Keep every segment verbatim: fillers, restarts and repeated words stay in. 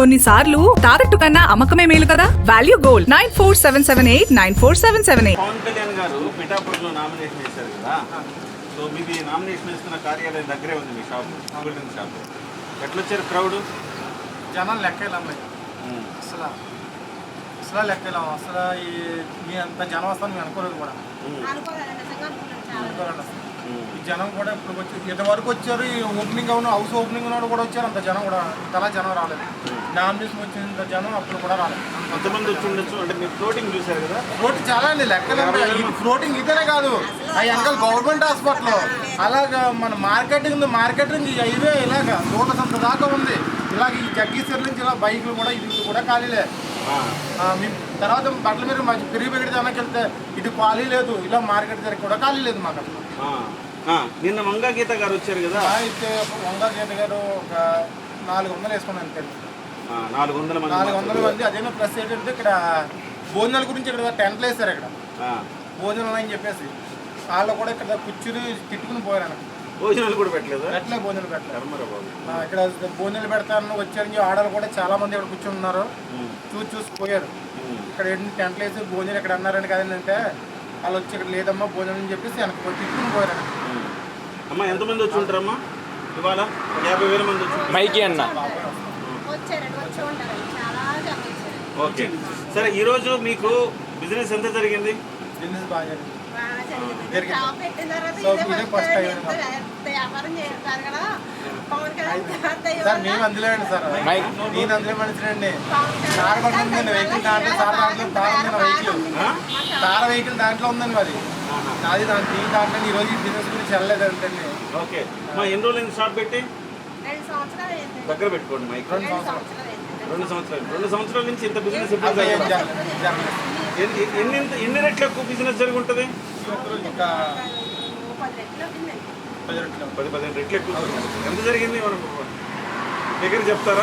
కొన్నిసార్లు తాకట్టు కన్నా అమ్మకమే మేలు కదా. Value gold nine four seven seven eight nine four seven seven eight. Pavan Kalyan garu పిఠాపురంలో నామినేషన్ చేశారు కదా, సో మీది నామినేషన్ వేస్తున్న కార్యాలయం దగ్గరే ఉంది మీ షాప్, బిల్డింగ్ షాప్. ఎట్లా వచ్చారు క్రౌడ్? జనం లెక్కేలాం అసలు అసలు లెక్కేలాం అసలు ఈ మీ అంత జనం వస్తాను మేము అనుకోలేదు కూడా. అనుకోలేదు అసలు ఈ జనం కూడా ఇప్పుడు వచ్చి ఇంతవరకు వచ్చారు. ఈ ఓపెనింగ్ అవును హౌస్ ఓపెనింగ్ ఉన్నాడు కూడా వచ్చారు. అంత జనం కూడా ఇంతలా జనం రాలేదు. నామినేషన్ వచ్చినంత జనం అప్పుడు కూడా రాలేదు. అంతమంది వచ్చి ఉండొచ్చు. అంటే మీరు ఫ్లోటింగ్ చూశారు కదా? ఫ్లోటింగ్ చాలా అండి లెక్కలేదు. ఫ్లోటింగ్ ఇదేనే కాదు, ఆ వెనకాల గవర్నమెంట్ హాస్పిటల్ అలాగా మన మార్కెటింగ్ ఉంది. మార్కెటింగ్ ఈ హైవే ఇలాగ రోడ్ల సంత దాకా ఉంది. ఇలాగ ఈ జగ్గీశ్వర్ నుంచి ఇలా బైకులు కూడా ఇది కూడా ఖాళీలే. మీ తర్వాత బట్టల మీద పెరిగి పెరిగి దానికి వెళ్తే ఇటు ఖాళీ లేదు. ఇలా మార్కెట్ దగ్గర కూడా ఖాళీ లేదు మాకు అసలు. నిన్న వంగా గీత గారు వచ్చారు కదా, అయితే వంగా గీత గారు ఒక నాలుగు వందలు వేసుకున్నాను అంతే. నాలుగు వందల మంది నాలుగు వందల మంది అదేనా ప్లస్ ఏంటంటే ఇక్కడ భోజనాల గురించి ఇక్కడ టెంట్లు వేస్తారు. ఇక్కడ భోజనాలు అని చెప్పేసి వాళ్ళు కూడా ఇక్కడ కూర్చుని తిట్టుకుని పోయారు. భోజనాలు కూడా పెట్టలేదు. పెట్టలే భోజనాలు పెట్టలేదు. ఇక్కడ భోజనాలు పెడతాను వచ్చారని ఆడలు కూడా చాలా మంది ఇక్కడ కూర్చుని ఉన్నారు. చూసి చూసి పోయారు. ఇక్కడ ఏంటి టెంట్లు వేసి భోజనాలు ఇక్కడ అన్నారండి కదంటే వాళ్ళు వచ్చి ఇక్కడ లేదమ్మా భోజనం అని చెప్పేసి వెనక్కి పోయి తిట్టుకుని పోయారు. అమ్మా ఎంతమంది వచ్చి ఉంటారమ్మా ఇవాళ? యాభై వేల మంది వచ్చి మైకి అన్న. ఓకే సరే, ఈరోజు మీకు బిజినెస్ ఎంత జరిగింది? బిజినెస్ బాగా జరిగింది. సార్ మేము అందులో అండి సార్ నేను అందులో మనిషినండి. కార్ బండి ఉందండి, వెహికల్ దాంట్లో సార్ దాంట్లో కార్ ఉందండి. వెహికల్ కార్ వెహికల్ దాంట్లో ఉందండి మరి అది దాని దీని దాంట్లో ఈ రోజు బిజినెస్ గురించి వెళ్ళలేదు అంటండి. ఓకే మా ఎన్ని రోజులు షాప్ పెట్టి దగ్గర పెట్టుకోండి మైక్. రెండు సంవత్సరాలు రెండు సంవత్సరాలు రెండు సంవత్సరాల నుంచి ఇంత బిజినెస్ ఎన్ని ఎన్ని రెట్లు ఎక్కువ బిజినెస్ జరిగి ఉంటుంది? పది పదిహేను రెట్లు ఎక్కువ. ఎంత జరిగింది మనం దగ్గర చెప్తారా?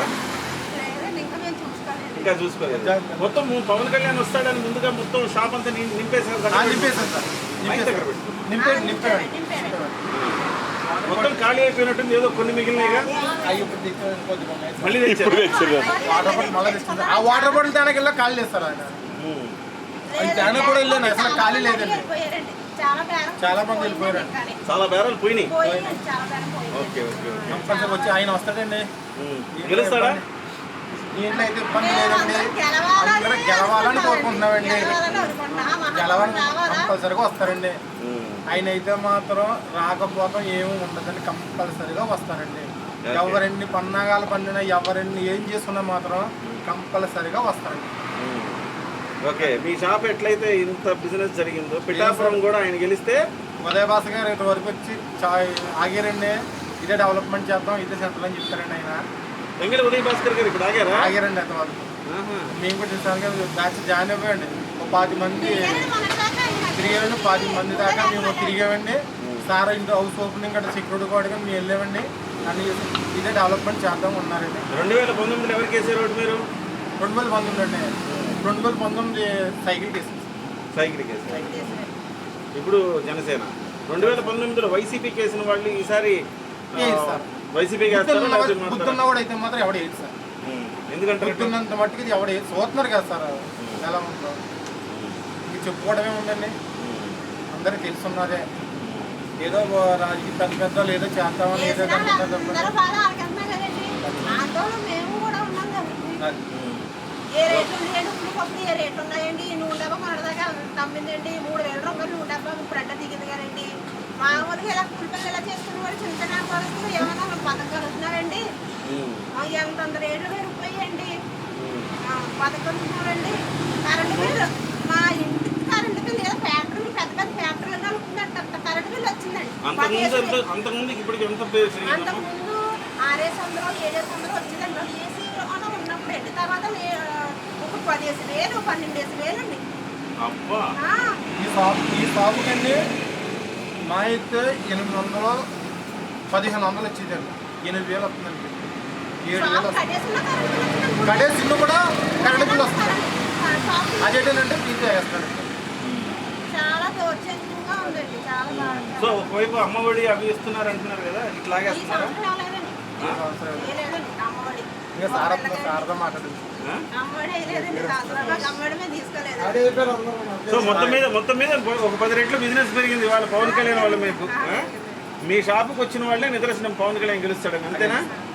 ఇంకా చూసుకోలేదు. మొత్తం పవన్ కళ్యాణ్ వస్తాడని ముందుగా మొత్తం షాప్ అంతా నింపేశారు కదా? నింపేశారు సార్. దగ్గర పెట్టి నింపాడు. మొత్తం ఖాళీ అయిపోయినట్టుంది. ఏదో కొన్ని మిగిలినాయిగా మళ్ళీ తెచ్చారు. వాటర్ బాటిల్ మళ్ళీ తెచ్చింది. ఆ వాటర్ బాటిల్ తేడానికి వెళ్ళా ఖాళీ చేస్తారు ఆయన. తేన కూడా వెళ్ళాను అసలు ఖాళీ లేదండి. చాలా మంది వెళ్ళిపోయారు. చాలా బేరాలు పోయినాయి. ఓకే ఓకే కంపల్సరీ వచ్చి ఆయన వస్తాడండి. గెలుస్తాడా? దీంట్లో అయితే ఇబ్బంది లేదండి. అందరూ గెలవాలని కోరుకుంటున్నామండి. గెలవాలని కంపల్సరీగా వస్తారండి. ఆయన అయితే మాత్రం రాకపోవడం ఏమీ ఉండదండి. కంపల్సరీగా వస్తారండి. ఎవరెన్ని పన్నాగాలు పండినా ఎవరెన్ని ఏం చేసుకున్నా మాత్రం కంపల్సరీగా వస్తారండి. ఓకే మీ షాప్ ఎట్లయితే ఇంత బిజినెస్ జరిగిందో పిఠాపురం కూడా ఆయన గెలిస్తే ఉదయ భాష గారు ఇటు వరకు వచ్చి ఆగారండి. ఇదే డెవలప్మెంట్ చేద్దాం, ఇదే సెంటర్ అని చెప్తారండి ఆయన. వెంకట ఉదయ భాస్కర్ గారు ఇప్పుడు ఆగారా? ఆగారండి అంతవరకు. మేము కూడా చూసాను బ్యాచ్ జాయిన్ అయిపోయండి. ఒక పది మంది తిరిగామండి. పది మంది దాకా మేము తిరిగామండి. సార్ ఇంట్లో హౌస్ ఓపెనింగ్ అంటే సెక్యూరిటీ కూడా మేము వెళ్ళామండి. అని ఇదే డెవలప్మెంట్ చేద్దాం ఉన్నారండి. రెండు వేల పంతొమ్మిది ఎవరికి వేసారు మీరు? రెండు వేల పంతొమ్మిది అండి. రెండు వేల పంతొమ్మిది సైకిల్ కేసు సైకిల్ కేసు ఇప్పుడు జనసేన. రెండు వేల పంతొమ్మిదిలో వైసీపీ కేసిన వాళ్ళు ఈసారి వైసీపీ గుర్తున్నా కూడా అయితే మాత్రం ఎవడ వేయదు సార్. ఎందుకంటే గుర్తున్నంత మట్టుకు ఎవడ చూస్తున్నారు కదా సార్ ఎలా ఉందో. ఇది చెప్పుకోవడమే ఉందండి, అందరికి తెలుసున్నదే. ఏదో రాజకీయ పెద్ద పెద్దలు ఏదో చేస్తామని ఏదో ఏ రేట్లు ఉన్నాయండి? ఉల్లిపప్పు ఏ రేట్లు ఉన్నాయండి? నూనె డబ్బా కొనదాకా తమ్మిందండి మూడు వేల రూపాయలు నూనె డబ్బా ఇప్పుడు అడ్డ దిగింది కదండి. మామూలుగా ఇలా కూలిపల్లి ఇలా చేసుకున్న వాడు చిన్న చిన్న పరుస్తులు ఏమన్నా పథకం కలుగుతున్నారండి. ఎంతంత రేట్లు పెరిగిపోయాయండి. పథకం కలుగుతున్నారండి. కరెంటు బిల్లు మా ఇంటికి కరెంటు బిల్లు ఏదో ఫ్యాక్టరీలు పెద్ద పెద్ద ఫ్యాక్టరీలు కలుగుతుందంట కరెంటు బిల్లు వచ్చిందండి. అంతకుముందు ఆరేసి వందలు ఏడేసి వందలు వచ్చిందండి ఏసీ ఉన్నప్పుడు అండి. తర్వాత ఒక పదిహేసి వేలు పన్నెండేసి వేలు అండి. ఈ షాప్ ఈ షాపు కండి మా అయితే ఎనిమిది వందలు పదిహేను వందలు వచ్చిందండి. ఎనిమిది వేలు వస్తుందండి. ఏడు వేలు వస్తుంది. కడేసి ఇల్లు కూడా కరెంటు బిల్లు వస్తుంది. అదేంటంటే తీసి వేస్తాడండి. చాలా దౌర్జన్యంగా ఉందండి. చాలా సో ఒకవైపు అమ్మఒడి అవి ఇస్తున్నారు అంటున్నారు కదా, ఇట్లాగే ఇంకా సారథ సారథ మాట్లాడింది. ఆ? అమ్మడే లేదండి సంవత్సరంలో అమ్మడమే తీసుకోలేదు. అదే చెప్పారు అందరూ. సో మొత్తం మీద మొత్తం మీద ఒక పది రెట్లు బిజినెస్ పెరిగింది వాళ్ళ పవన్ కళ్యాణ్ వాళ్ళ మీకు. ఆ? మీ షాపుకి వచ్చిన వాళ్ళే నిదర్శనం పవన్ కళ్యాణ్ గెలుస్తాడని, అంతేనా?